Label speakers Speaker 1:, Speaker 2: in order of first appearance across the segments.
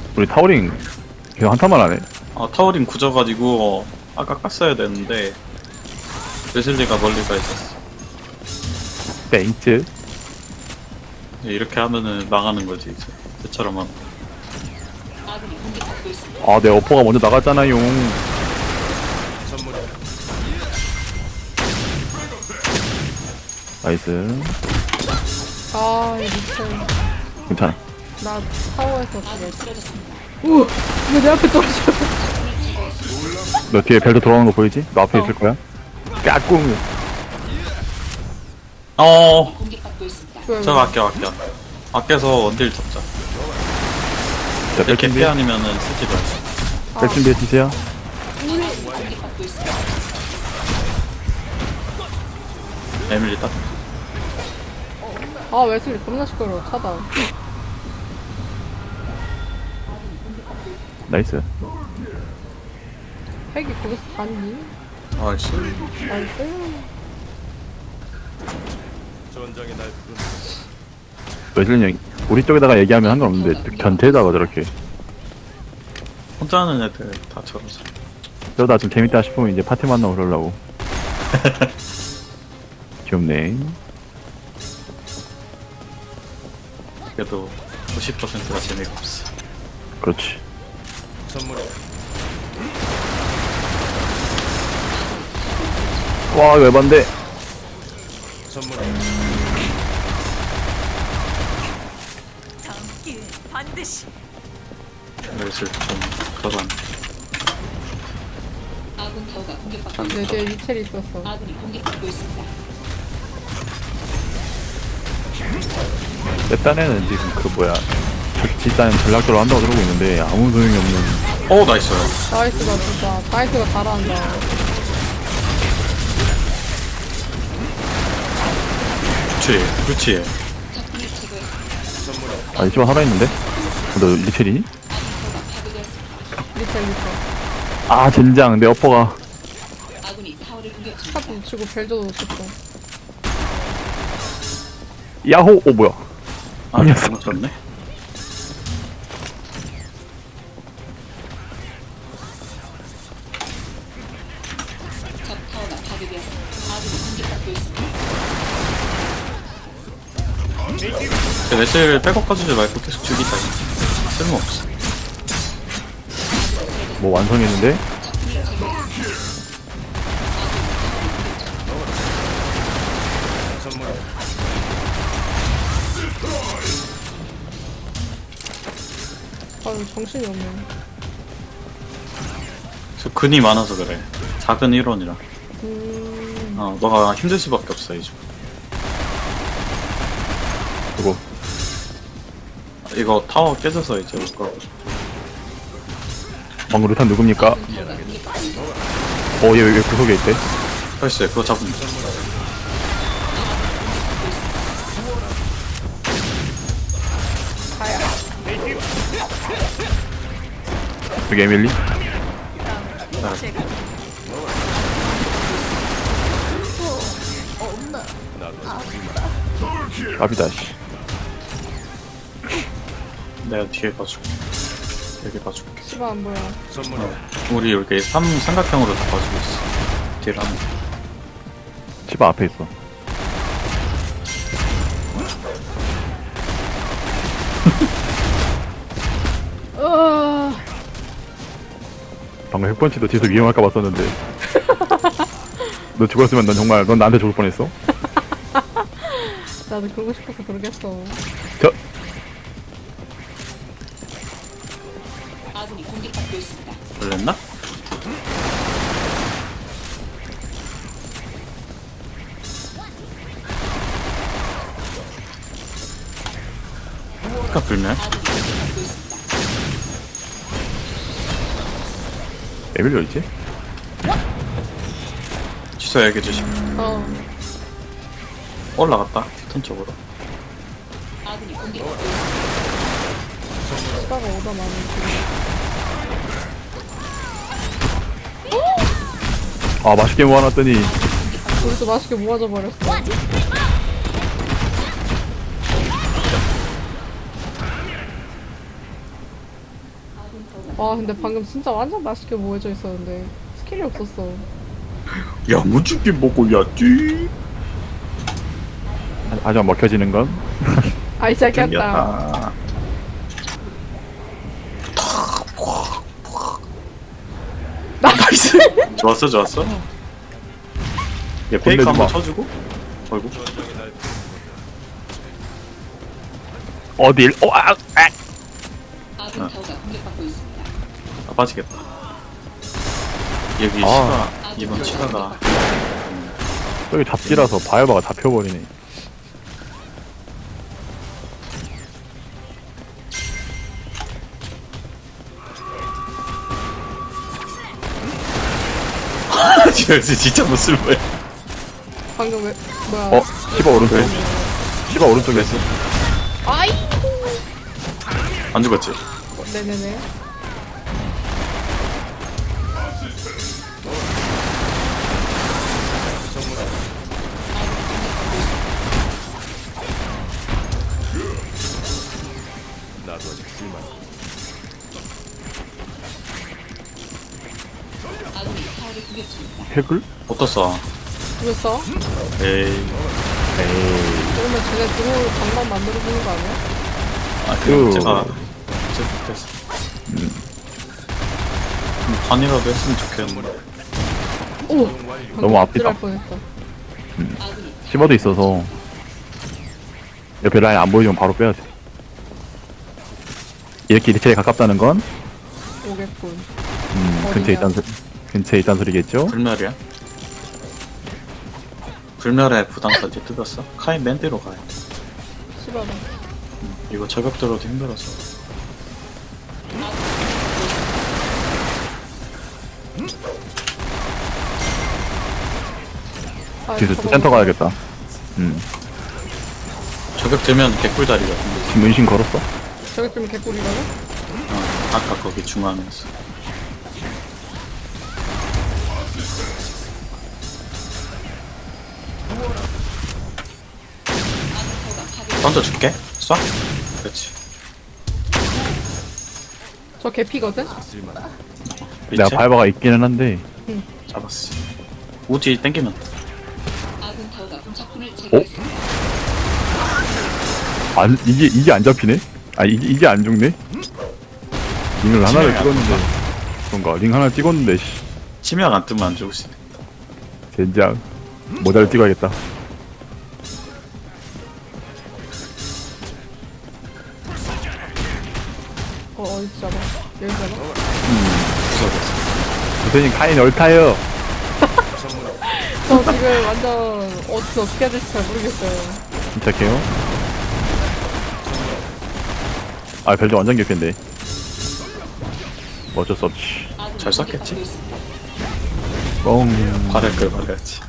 Speaker 1: 우리 타워링 계속 한타만 하네.
Speaker 2: 타워링 굳어가지고 아까 깠어야 되는데 웨슬리가 멀리 가 있었어.
Speaker 1: 땡츠.
Speaker 2: 이렇게 하면은 망하는 거지 이제. 저처럼 하면.
Speaker 1: 아, 내 어퍼가 먼저 나갔잖아요. 나이스.
Speaker 3: 아, 이 미친.
Speaker 1: 괜찮아.
Speaker 3: 나 타워에서 그래. 우! 왜 내 앞에 떨어져?
Speaker 1: 너 뒤에 벨트 돌아오는 거 보이지? 너 앞에
Speaker 3: 어.
Speaker 1: 있을 거야. 까꿍.
Speaker 3: 왜,
Speaker 2: 저거 아껴. 아껴서 원딜 잡자.
Speaker 1: 자, 뺄
Speaker 2: 이렇게
Speaker 1: 준비.
Speaker 2: 피 아니면은 쓰지 마.
Speaker 1: 뺄 준비해 주세요.
Speaker 2: 에밀리 딱.
Speaker 3: 아, 웨슬리 겁나 시끄러워. 차다.
Speaker 1: 나이스.
Speaker 3: 핵이 거기서 갔니?
Speaker 2: 아이씨.
Speaker 3: 나이스.
Speaker 1: 웨슬린 형, 우리 쪽에다가 얘기하면 상관없는데, 견태에다가 저렇게.
Speaker 2: 혼자 하는 애들 다 저러지.
Speaker 1: 그러다 좀 재밌다 싶으면 이제 파티 만나고 그러려고. 귀엽네.
Speaker 2: 그래도 90%가 재미가 없어.
Speaker 1: 그렇지. 와, 이거 에반데.
Speaker 4: 반드시
Speaker 2: 웨슬 좀 그런.
Speaker 3: 내 뒤에 위첼이 있었어.
Speaker 1: 내 딴에는 지금 그 뭐야. 일단 전략적으로 한다고 그러고 있는데, 아무 소용이 없는.
Speaker 2: 나이스.
Speaker 3: 나이스가 진짜. 나이스가 잘한다.
Speaker 2: 그렇지.
Speaker 1: 아, 이쪽은 살아있는데? 너 리첼이니?
Speaker 3: 리첼.
Speaker 1: 아, 젠장. 내 어퍼가.
Speaker 3: 차도 놓치고 벨도 놓쳤어.
Speaker 1: 야호! 오, 뭐야. 아니었어.
Speaker 2: 잘못 쳤네. 웨슬 백업 가주지 말고 계속 죽이자. 쓸모없어.
Speaker 1: 뭐 완성했는데?
Speaker 3: 아, 정신이 없네.
Speaker 2: 저 근이 많아서 그래. 작은 1원이라. 너가 힘들 수밖에 없어, 이제.
Speaker 1: 그거.
Speaker 2: 이거 타워 깨져서 이제 올 거고.
Speaker 1: 방금 루탄 누굽니까? 얘 왜 구석에 있대?
Speaker 2: 펄스, 그거 잡으면 돼.
Speaker 1: 여기 에밀리? 갑이다, 씨.
Speaker 2: 내가 뒤에 봐줄게. 여기 봐줄게.
Speaker 3: 씨발 안 보여.
Speaker 2: 우리 여기 삼각형으로 다 봐주고 있어. 뒤를 하면 돼.
Speaker 1: 집 앞에 있어. 방금 핵펀치도 뒤에서 위험할까 봤었는데. 너 죽었으면 넌 정말, 넌 나한테 죽을 뻔했어.
Speaker 3: 나도 그러고 싶어서 그러겠어.
Speaker 1: 저,
Speaker 2: 걸렸나? 아까 불면?
Speaker 1: 에밀리 어딨지?
Speaker 2: 취소 얘기해 주시. 올라갔다. 티턴 쪽으로.
Speaker 3: 씨발가 오다 나는
Speaker 1: 아, 맛있게 모아놨더니.
Speaker 3: 우리도 맛있게 모아져 버렸어. 와 근데 방금 진짜 완전 맛있게 모여져 있었는데 스킬이 없었어.
Speaker 2: 야무지게 먹어야지.
Speaker 1: 하지만 먹혀지는 건
Speaker 3: 아이 시작했다.
Speaker 2: 땡겼다. 나이스. 좋았어 좋았어. 얘 페이크
Speaker 1: 건네지
Speaker 2: 한번
Speaker 1: 마.
Speaker 2: 쳐주고. 어이구.
Speaker 1: 어딜
Speaker 4: 아군 타워가 공격받고 있습니다.
Speaker 2: 아 빠지겠다. 여기
Speaker 1: 아.
Speaker 2: 시가 이번 시가가
Speaker 1: 저기 잡지라서 바이바가 잡혀버리네.
Speaker 2: 진짜 못 쓸 거야.
Speaker 3: 방금 왜 뭐야?
Speaker 1: 어? 시바 오른쪽. 시바 오른쪽에 있어.
Speaker 3: 아이.
Speaker 2: 안 죽었지?
Speaker 3: 네네네.
Speaker 4: 아군이 타워를 공격 중입니다.
Speaker 1: 핵을?
Speaker 2: 어떻어?
Speaker 3: 죽였어?
Speaker 2: 에이.
Speaker 1: 에이.
Speaker 3: 그러면 쟤네 들어올 방법 만들어주는 거 아니야?
Speaker 2: 아,
Speaker 1: 그-
Speaker 2: 제가 됐어. 반이라도 했으면 좋겠는데.
Speaker 3: 오!
Speaker 1: 너무 앞이다.
Speaker 3: 할 뻔했다.
Speaker 4: 아군이
Speaker 1: 시바도 있어서 옆에 라인 안 보이면 바로 빼야 돼. 이렇게 리체에 가깝다는 건
Speaker 3: 오겠군.
Speaker 1: 근처에
Speaker 3: 어디냐?
Speaker 1: 근처에 있다는 소리겠죠?
Speaker 2: 불멸이야? 불멸의 부담까지 뜯었어? 카인 맨대로 가요.
Speaker 3: 씨발아.
Speaker 2: 이거 저격 들어도 힘들어서.
Speaker 3: 아,
Speaker 1: 뒤에서
Speaker 3: 저거
Speaker 1: 센터
Speaker 3: 먹어.
Speaker 1: 가야겠다.
Speaker 2: 저격 들면 개꿀다리거든.
Speaker 1: 지금 은신 걸었어?
Speaker 3: 저기 좀 개꿀이라고?
Speaker 2: 아까 거기 중앙에서. 던져줄게. 쏴. 그렇지.
Speaker 3: 저 개피거든?
Speaker 1: 내가
Speaker 2: 밑에
Speaker 1: 바이바가 있기는 한데
Speaker 2: 잡았어. 우지 땡기면 돼.
Speaker 4: 아군 타워가 적군을 제거했습니다.
Speaker 1: 안 이게 안 잡히네? 아 이게 안 죽네? 링을 하나를
Speaker 2: 치명이 안
Speaker 1: 찍었는데 그런가 링 하나 찍었는데 씨
Speaker 2: 치명 안 뜨면 안 죽을 수 있네.
Speaker 1: 젠장 모자를 찍어야겠다.
Speaker 3: 어디 잡아? 여기 잡아?
Speaker 2: 무서워졌어.
Speaker 1: 선생님 카인 얼타요.
Speaker 3: 저 지금 완전 어떻게 해야 될지 잘 모르겠어요.
Speaker 1: 침착해요. 아 별도 완전 개편데 뭐 어쩔 수 없지.
Speaker 4: 아군이
Speaker 2: 잘 썼겠지?
Speaker 4: 공격받고 있습니다.
Speaker 1: 뻥.
Speaker 2: 발을 끌 말해야지.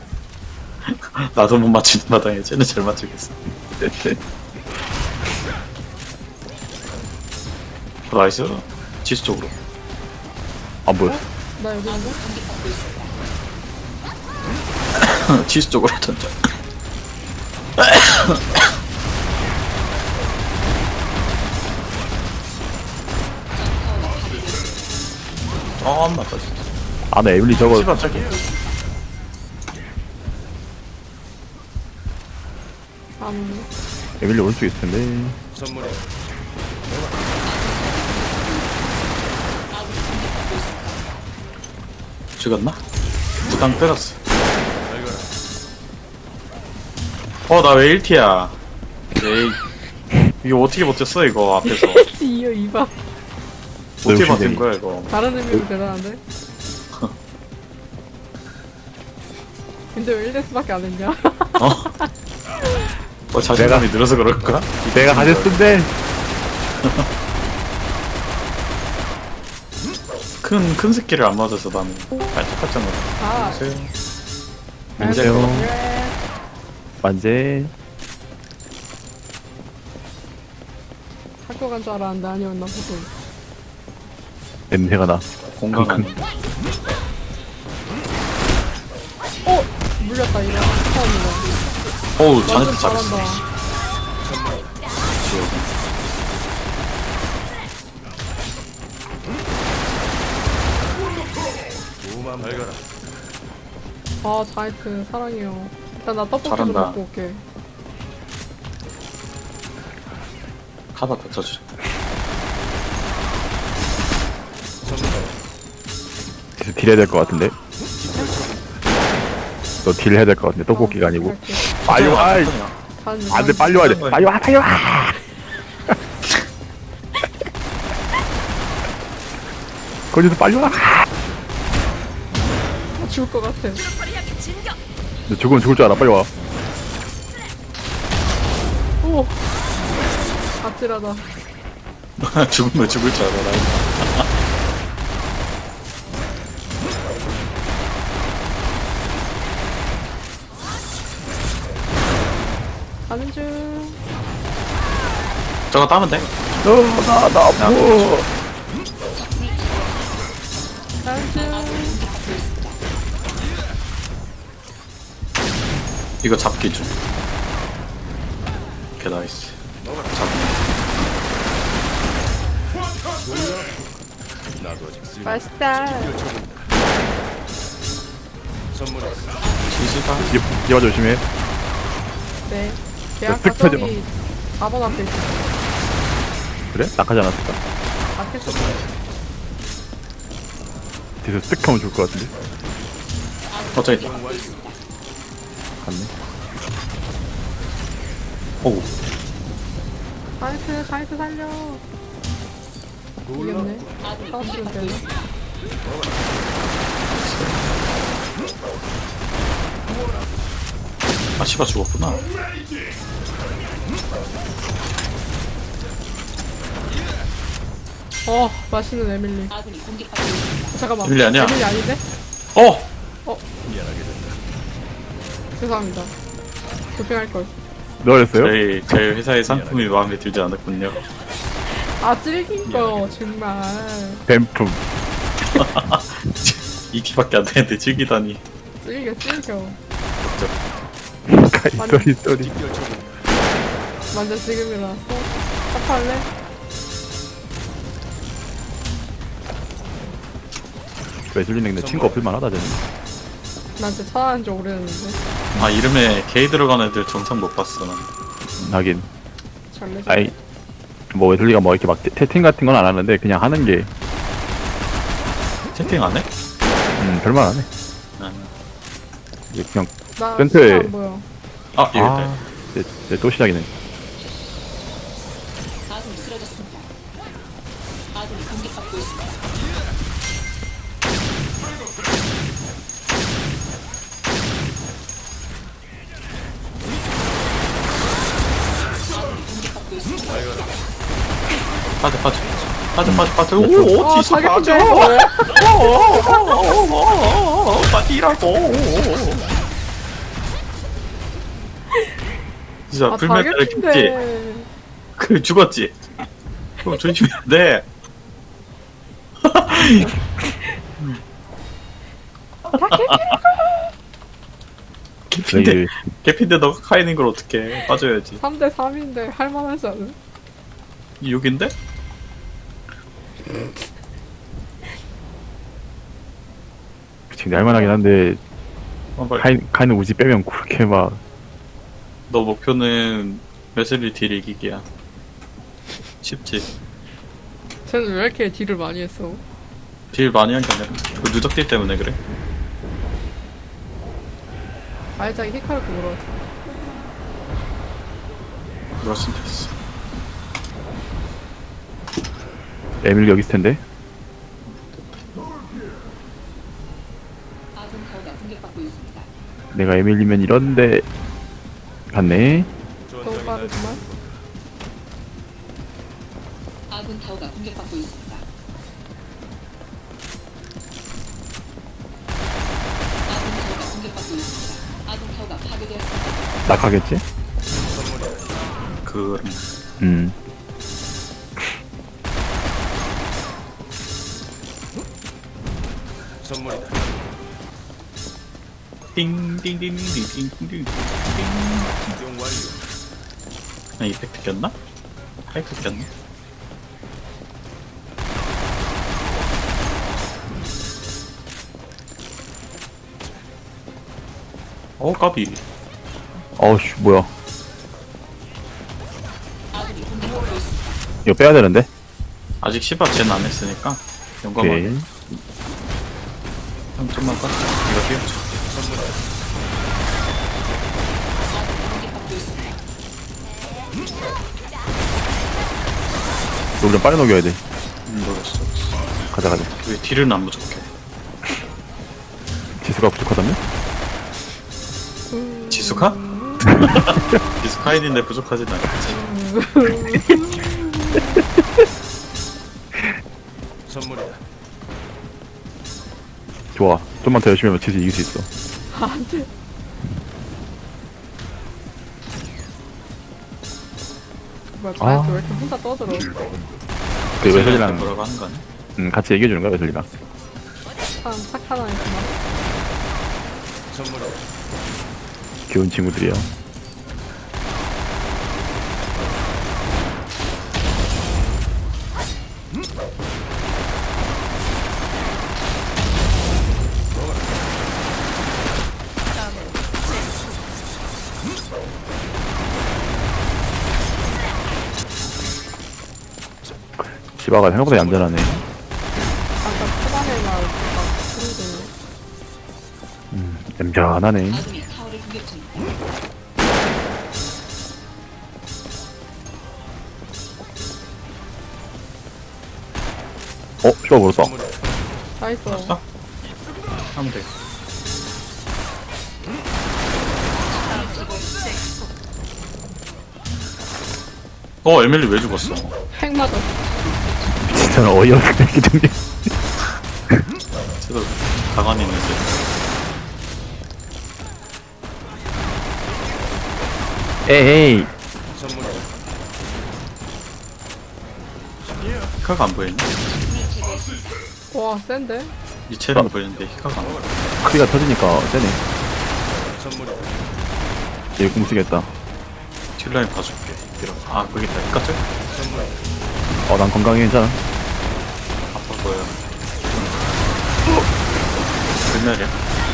Speaker 2: 나도 못 맞추는 마당에 쟤는 잘 맞추겠어. 나이스. 지수 쪽으로.
Speaker 1: 안 보였어.
Speaker 3: 나 여기 있는데?
Speaker 4: 공격받고 있습니다.
Speaker 2: 지수 쪽으로 던져. 안 맞다 진짜.
Speaker 1: 나 에블리 저거
Speaker 2: 씨발 저기.
Speaker 3: 안 오네.
Speaker 1: 에블리 오른쪽에 있을 텐데.
Speaker 2: 죽었나? 무당 때렸어. 나 왜 1티야? 에이. 이거 어떻게 버텼어 이거 앞에서.
Speaker 3: 이어 이봐.
Speaker 2: 어떻게
Speaker 1: 역시
Speaker 2: 버틴
Speaker 1: 내리.
Speaker 2: 거야 이거.
Speaker 3: 다른 의미로 대단한데? 근데 왜 1대스밖에 안 했냐?
Speaker 2: 자신감이 늘어서 그럴까?
Speaker 1: 내가 가졌는데
Speaker 2: 큰 스킬을 안 맞아서 나는 깔짝깔짝 놀라.
Speaker 3: 아,
Speaker 1: 안녕하세요.
Speaker 3: 네.
Speaker 1: 만재.
Speaker 3: 학교 간 줄 알았는데 아니었나 보군.
Speaker 1: 냄새가 나.
Speaker 2: 공감한.
Speaker 3: 어! 물렸다 이거. 처음이다.
Speaker 2: 어우
Speaker 3: 완전
Speaker 2: 자네트 잘했어.
Speaker 3: 잘한다. 아 자이트 사랑해요. 일단 나 떡볶이 좀
Speaker 2: 잘한다.
Speaker 3: 먹고 올게.
Speaker 2: 카바 뱉어주자.
Speaker 1: 디스 딜해야 될 것 같은데. 너 딜 해야 될 것 같은데 떡볶이가 아니고.
Speaker 3: 갈게.
Speaker 1: 빨리 와. 아이,
Speaker 3: 가는
Speaker 1: 안돼 빨리 와야 돼. 빨리 와 빨리 와. 거기서 빨리 와.
Speaker 3: 죽을 것 같아.
Speaker 1: 너 죽으면 죽을 줄 알아. 빨리 와.
Speaker 3: 오. 아찔하다.
Speaker 2: 죽으면 죽을 줄 알아.
Speaker 3: 가는 중.
Speaker 2: 저거 따면 돼?
Speaker 1: 나나 아파.
Speaker 3: 가는 중.
Speaker 2: 이거 잡기 좀. 오케이 나이스.
Speaker 3: 맛있다.
Speaker 2: 지지가
Speaker 1: 이봐 조심해.
Speaker 3: 네. 계약
Speaker 1: 쓱 펴져.
Speaker 3: 가정이 4번 앞에 있어.
Speaker 1: 그래? 낙하지 않았을까?
Speaker 3: 앞에 있어.
Speaker 1: 뒤에서 쓱 하면 좋을 것 같은데.
Speaker 2: 저기 있다.
Speaker 1: 갔네.
Speaker 2: 오우.
Speaker 3: 자이트 살려. 이겼네. 싸우시면 되네.
Speaker 2: 아 씨가 죽었구나.
Speaker 3: 맛있는 에밀리.
Speaker 4: 아군이 공격받고 있습니다.
Speaker 3: 잠깐만.
Speaker 2: 에밀리 아니야?
Speaker 3: 에밀리 아닌데?
Speaker 2: 어!
Speaker 3: 죄송합니다. 도핑할 걸.
Speaker 1: 너 그랬어요?
Speaker 2: 제 회사의 상품이 마음에 들지 않았군요.
Speaker 3: 아 찔긴 거 정말.
Speaker 1: 뱀품.
Speaker 2: 이 키밖에 안 되는데 즐기다니.
Speaker 3: 찔겨.
Speaker 1: 쏘리.
Speaker 3: 완전 지금 일어났어. 합할래?
Speaker 1: 웨슬리는 내 친구 없을만 하다 쟤는.
Speaker 3: 난 진짜 차단한 지 오래됐는데.
Speaker 2: 아 이름에 K 들어간 애들 정상 못 봤어 난.
Speaker 1: 하긴.
Speaker 3: 잘 내줘.
Speaker 1: 아이 뭐 웨슬리가 뭐 이렇게 막 채팅 같은 건 안 하는데 그냥 하는 게
Speaker 2: 채팅 안 해?
Speaker 1: 별말 안 해.
Speaker 2: 아,
Speaker 1: 이게 그냥
Speaker 3: 나
Speaker 1: 센터에-
Speaker 3: 진짜 안 보여.
Speaker 2: 아 여기 있다.
Speaker 1: 아 이제 또 시작이네.
Speaker 4: 아군이 쓰러졌습니다. 아군이 공격받고 있습니다. 아군이 공격받고 있습니다.
Speaker 2: 빠져. 오,
Speaker 3: 아
Speaker 2: 지수
Speaker 3: 자격인데.
Speaker 2: 빠지라고. 진짜
Speaker 3: 아
Speaker 2: 불멸자를 켰지.
Speaker 3: 자격인데.
Speaker 2: 그 죽었지. 그럼 조심해야 돼. 개핀데
Speaker 1: 내일
Speaker 2: 개핀데 너가 카이는 걸 어떻게 빠져야지.
Speaker 3: 3대 3인데 할만하지 않은?
Speaker 2: 이 6인데?
Speaker 1: 지금 날만하긴 한데
Speaker 2: 빨리.
Speaker 1: 카이는 우지 빼면 그렇게 막
Speaker 2: 너 목표는 웨슬리 딜 이기기야. 쉽지.
Speaker 3: 쟤는 왜 이렇게 딜을 많이 했어?
Speaker 2: 딜 많이 한 게 아니라 그 누적딜 때문에 그래.
Speaker 3: 알자기 히카르코 물어봤어.
Speaker 2: 그럴 수도 있어.
Speaker 1: 에밀리 여기 있을 텐데.
Speaker 4: 아군 타워가 공격받고 있습니다.
Speaker 1: 내가 에밀리면 이런데 갔네.
Speaker 3: 너무 빠르구만.
Speaker 4: 아군 타워가 공격받고 있습니다. 아군 타워가 공격받고 있습니다. 아군 타워가 파괴되었습니다.
Speaker 1: 낙하겠지?
Speaker 2: 그럼 띵띵띵띵띵띵띵띵. 아 이펙트 꼈나? 하이프 꼈나? 까비.
Speaker 1: 어우씨 뭐야 이거 빼야 되는데.
Speaker 2: 아직 시바 젠 안 했으니까 용감하게.
Speaker 1: 오케이.
Speaker 2: 형 좀만 땄어. 이거 뛰어줘.
Speaker 1: 이거 좀 빨리 녹여야 돼.
Speaker 2: 모르겠어.
Speaker 1: 가자 가자.
Speaker 2: 왜 딜은 안 부족해?
Speaker 1: 지수가 부족하다며?
Speaker 2: 지수카? 지수카인인데 부족하진 않겠지.
Speaker 1: 좋아. 좀만 더 열심히 하면 지수 이길 수 있어.
Speaker 3: 안돼. 뭐야 자이언트 왜 이렇게 혼자 떠들어?
Speaker 1: 그 웨슬리랑
Speaker 2: 뭐라고 하는 거 아니야?
Speaker 1: 같이 얘기해 주는 거야 웨슬리랑.
Speaker 3: 참 착한 아이구나.
Speaker 1: 귀여운 친구들이야. 시바가 생각보다 얌전하네.
Speaker 3: 아까 초반에만 막 힘드네.
Speaker 1: 얌전하네.
Speaker 4: 아군이 타워를 공격 중입니다.
Speaker 1: 시바 물었다.
Speaker 3: 나이스.
Speaker 2: 써? 하면 돼. 에밀리 왜 죽었어?
Speaker 3: 핵 맞았어.
Speaker 1: 진짜 어이없네 기준이.
Speaker 2: 쟤도 가만히 있는데.
Speaker 1: 에이.
Speaker 2: 히카가 안 보이네?
Speaker 3: 와 센데?
Speaker 2: 이체는 보이는데 히카가 안 보여.
Speaker 1: 크기가 터지니까 세네. 얘 궁쓰겠다.
Speaker 2: 딜라인 봐줄게. 아, 거기 있다. 히카 쪽?
Speaker 1: 난 건강해 괜찮아.
Speaker 2: 아파 보여. 불멸이야.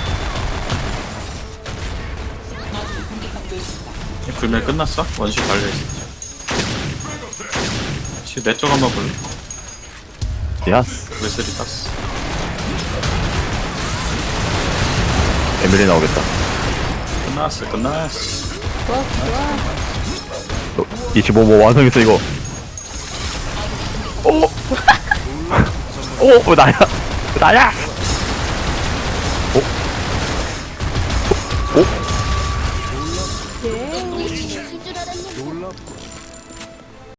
Speaker 2: 이 불멸 끝났어? 원시 달려있어. 내쪽 한번 볼래?
Speaker 1: 야스.
Speaker 2: 웨슬리 땄어.
Speaker 1: 에밀리 나오겠다.
Speaker 2: 끝났어.
Speaker 3: 좋아 좋아.
Speaker 1: 25뭐 완성했어 이거. 오 나야. 나야.
Speaker 3: 예.